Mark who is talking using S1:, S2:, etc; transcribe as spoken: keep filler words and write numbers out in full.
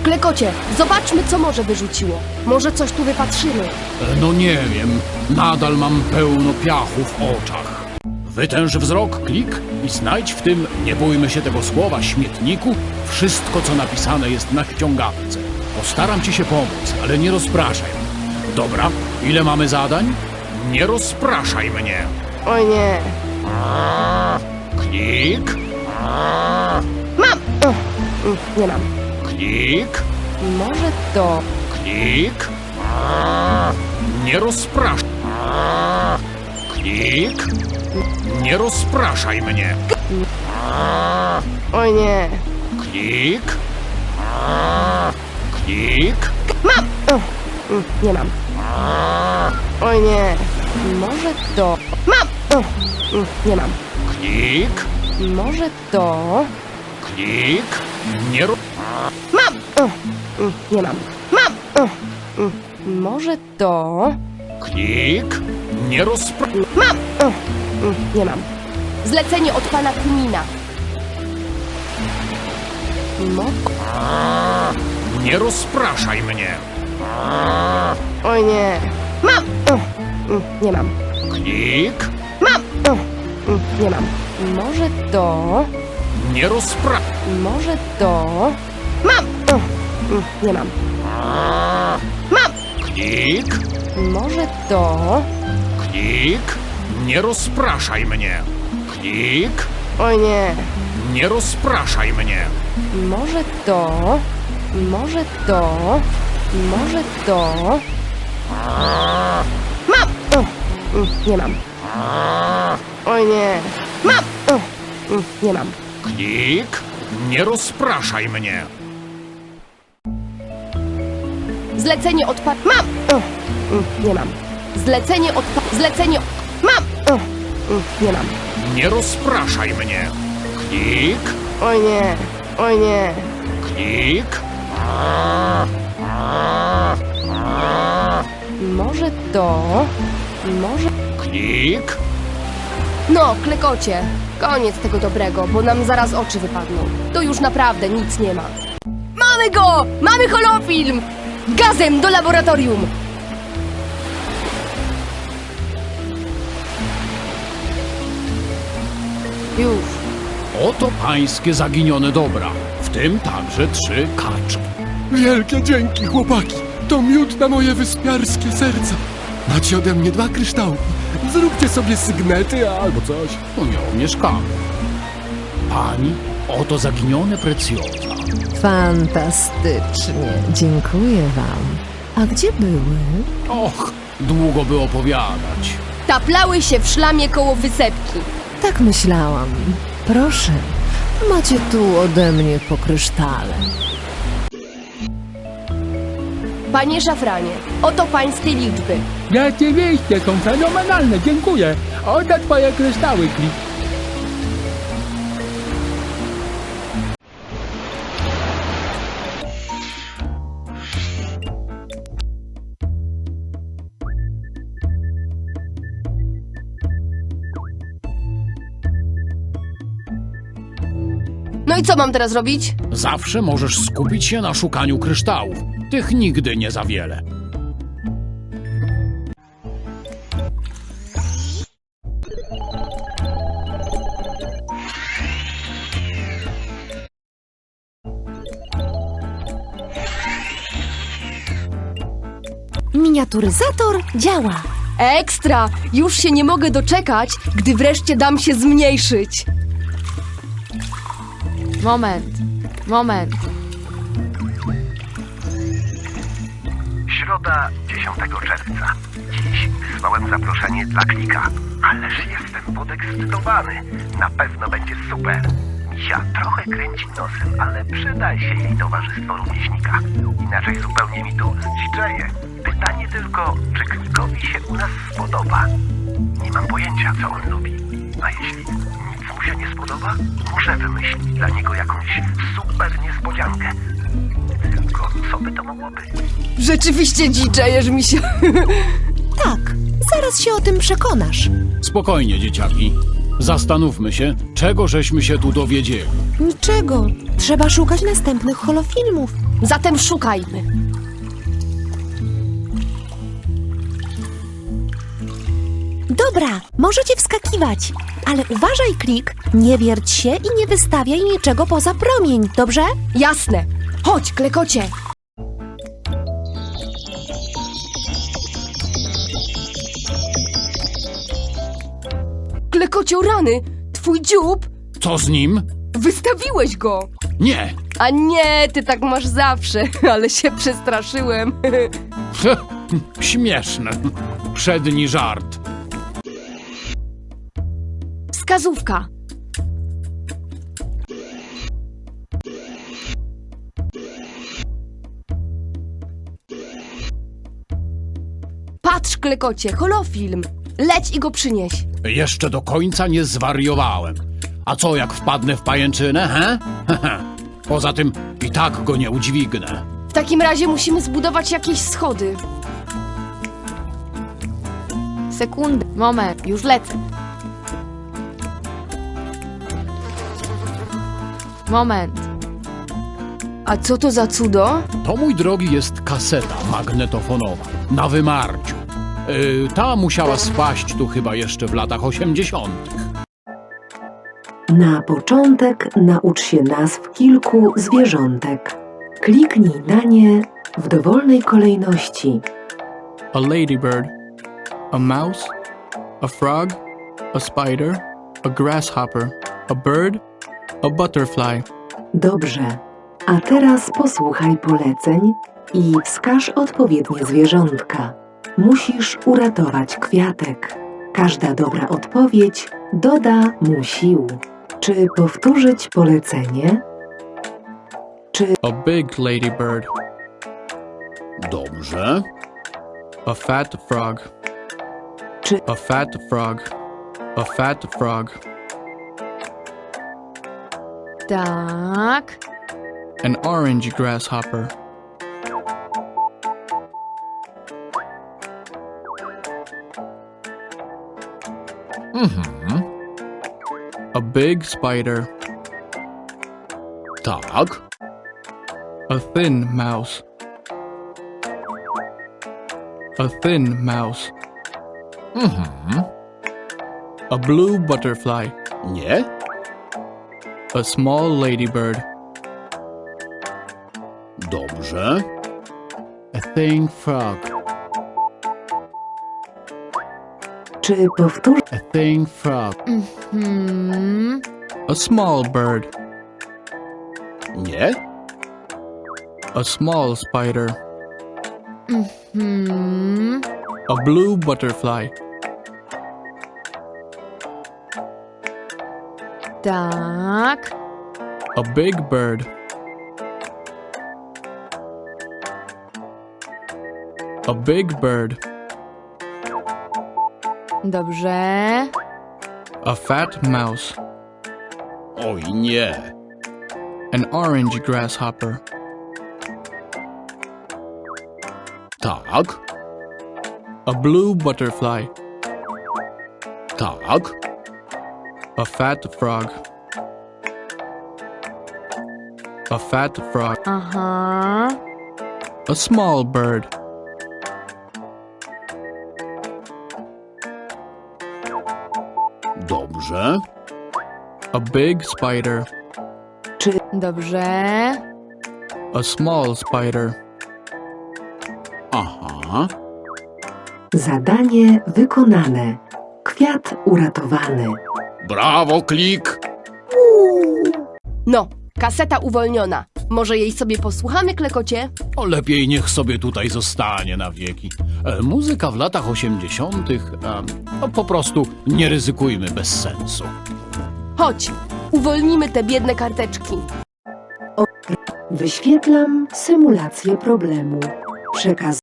S1: Klekocie, zobaczmy, co morze wyrzuciło. Może coś tu wypatrzymy.
S2: No nie wiem, nadal mam pełno piachu w oczach. Wytęż wzrok, klik i znajdź w tym, nie bójmy się tego słowa, śmietniku, wszystko, co napisane jest na ściągawce. Postaram ci się pomóc, ale nie rozpraszaj. Dobra, ile mamy zadań? Nie rozpraszaj mnie.
S1: Oj nie.
S2: Klik,
S1: Mam! Ugh, mm, nie mam.
S2: klik,
S1: Może to...
S2: klik. Nie rozpraszaj. Klik. Nie rozpraszaj mnie.
S1: Oj nie.
S2: Klik. Klik.
S1: Mam! Ugh, mm, nie mam. Oj nie. Może to... Mam! Ugh, mm, nie mam.
S2: Klik.
S1: Może to...
S2: Klik. Nie ro...
S1: Mam! Ugh, mm, nie mam. Mam! Ugh, mm, może to...
S2: Klik. Nie rozpra...
S1: Mam! Ugh, mm, nie mam. Zlecenie od pana Kmina. Mo...
S2: Nie rozpraszaj mnie.
S1: Oj nie. Mam! Ugh, mm, nie mam.
S2: Klik.
S1: Mam! Ugh, mm, nie mam. Może to...
S2: Nie rozpra...
S1: Może to... Mam! Ugh, mm, nie mam. Mam!
S2: Klik.
S1: Może to...
S2: Klik. Nie rozpraszaj mnie. Klik.
S1: Oj nie.
S2: Nie rozpraszaj mnie.
S1: Może to... Może to... Może to... Mam! Ugh, mm, nie mam. Oj nie. Mam! Ugh, mm, nie mam.
S2: Klik. Nie rozpraszaj mnie.
S1: Zlecenie od pa... Mam! Ugh, mm, nie mam. Zlecenie od pa... Zlecenie... Mam! Ugh, mm, nie mam.
S2: Nie rozpraszaj mnie. Klik.
S1: Oj nie. Oj nie.
S2: Klik.
S1: Może to... Może...
S2: Klik.
S1: No, klekocie. Koniec tego dobrego, bo nam zaraz oczy wypadną. To już naprawdę nic nie ma. Mamy go! Mamy holofilm! Gazem do laboratorium! Już.
S2: Oto pańskie zaginione dobra, w tym także trzy kaczki.
S3: Wielkie dzięki, chłopaki! To miód na moje wyspiarskie serca. Macie ode mnie dwa kryształki. Zróbcie sobie sygnety albo coś.
S2: No nie mieszkamy. Pani, oto zaginione precjoza.
S4: Fantastycznie, dziękuję wam. A gdzie były?
S2: Och, długo by opowiadać.
S1: Taplały się w szlamie koło wysepki.
S4: Tak myślałam. Proszę, macie tu ode mnie po krysztale.
S1: Panie Szafranie, oto pańskie liczby.
S5: Rzeczywiście, są fenomenalne, dziękuję. Oto twoje kryształy, Klik.
S1: No i co mam teraz robić?
S2: Zawsze możesz skupić się na szukaniu kryształów. Tych nigdy nie za wiele.
S4: Miniaturyzator działa.
S1: Ekstra! Już się nie mogę doczekać, gdy wreszcie dam się zmniejszyć. Moment, moment.
S6: Środa, dziesiątego czerwca. Dziś wysłałem zaproszenie dla Klika. Ależ jestem podekscytowany. Na pewno będzie super. Misia trochę kręci nosem, ale przyda się jej towarzystwo rówieśnika. Inaczej zupełnie mi tu zdziczeje. Pytanie tylko, czy Klikowi się u nas spodoba? Nie mam pojęcia, co on lubi. A jeśli nic mu się nie spodoba, muszę wymyślić dla niego jakąś super niespodziankę. Tylko co by to mogło być?
S1: Rzeczywiście dziczejesz mi się.
S4: Tak, zaraz się o tym przekonasz.
S2: Spokojnie, dzieciaki. Zastanówmy się, czego żeśmy się tu dowiedzieli.
S4: Niczego. Trzeba szukać następnych holofilmów.
S1: Zatem szukajmy.
S7: Dobra, możecie wskakiwać, ale uważaj, Klik, nie wierć się i nie wystawiaj niczego poza promień, dobrze?
S1: Jasne. Chodź, klekocie. Klekocio, rany! Twój dziób!
S2: Co z nim?
S1: Wystawiłeś go!
S2: Nie.
S1: A nie, ty tak masz zawsze, ale się przestraszyłem.
S2: Śmieszne. Przedni żart.
S1: Wskazówka. Patrz, klekocie, holofilm. Leć i go przynieś.
S2: Jeszcze do końca nie zwariowałem. A co jak wpadnę w pajęczynę, he? Poza tym i tak go nie udźwignę.
S1: W takim razie musimy zbudować jakieś schody.
S8: Sekundę, moment, już lecę. Moment.
S1: A co to za cudo?
S2: To, mój drogi, jest kaseta magnetofonowa na wymarciu. Yy, ta musiała spaść tu chyba jeszcze w latach osiemdziesiątych.
S4: Na początek naucz się nazw kilku zwierzątek. Kliknij na nie w dowolnej kolejności.
S5: A ladybird, a mouse, a frog, a spider, a grasshopper, a bird, a butterfly.
S4: Dobrze. A teraz posłuchaj poleceń i wskaż odpowiednie zwierzątka. Musisz uratować kwiatek. Każda dobra odpowiedź doda mu sił. Czy powtórzyć polecenie? Czy
S5: A big ladybird,
S2: Dobrze.
S5: a fat frog,
S4: Czy-
S5: a fat frog, a fat frog,
S8: Tak.
S5: an orange grasshopper,
S2: Mhm.
S5: a big spider,
S2: Tak.
S5: a thin mouse, a thin mouse,
S2: Mhm.
S5: a blue butterfly,
S2: Nie.
S5: a small ladybird,
S2: Dobrze. A thing frog.
S4: czy powtórz?
S2: A thing frog.
S8: Hmm.
S5: a small bird,
S2: Nie.
S5: a small spider,
S8: Hmm.
S5: a blue butterfly,
S8: Tak.
S5: a big bird, a big bird,
S8: Dobrze.
S5: a fat mouse,
S2: Oj, nie.
S5: an orange grasshopper,
S2: Tak.
S5: a blue butterfly,
S2: Tak.
S5: a fat frog, a fat frog,
S8: Aha.
S5: a small bird,
S2: Dobrze.
S5: a big spider,
S8: Dobrze.
S5: a small spider,
S2: Aha.
S4: Zadanie wykonane. Kwiat uratowany.
S2: Brawo, Klik.
S1: No, kaseta uwolniona. Może jej sobie posłuchamy, klekocie?
S2: O, lepiej niech sobie tutaj zostanie na wieki. E, muzyka w latach osiemdziesiątych. E, no, po prostu nie ryzykujmy bez sensu.
S1: Chodź, uwolnimy te biedne karteczki.
S4: Wyświetlam symulację problemu. Przekaz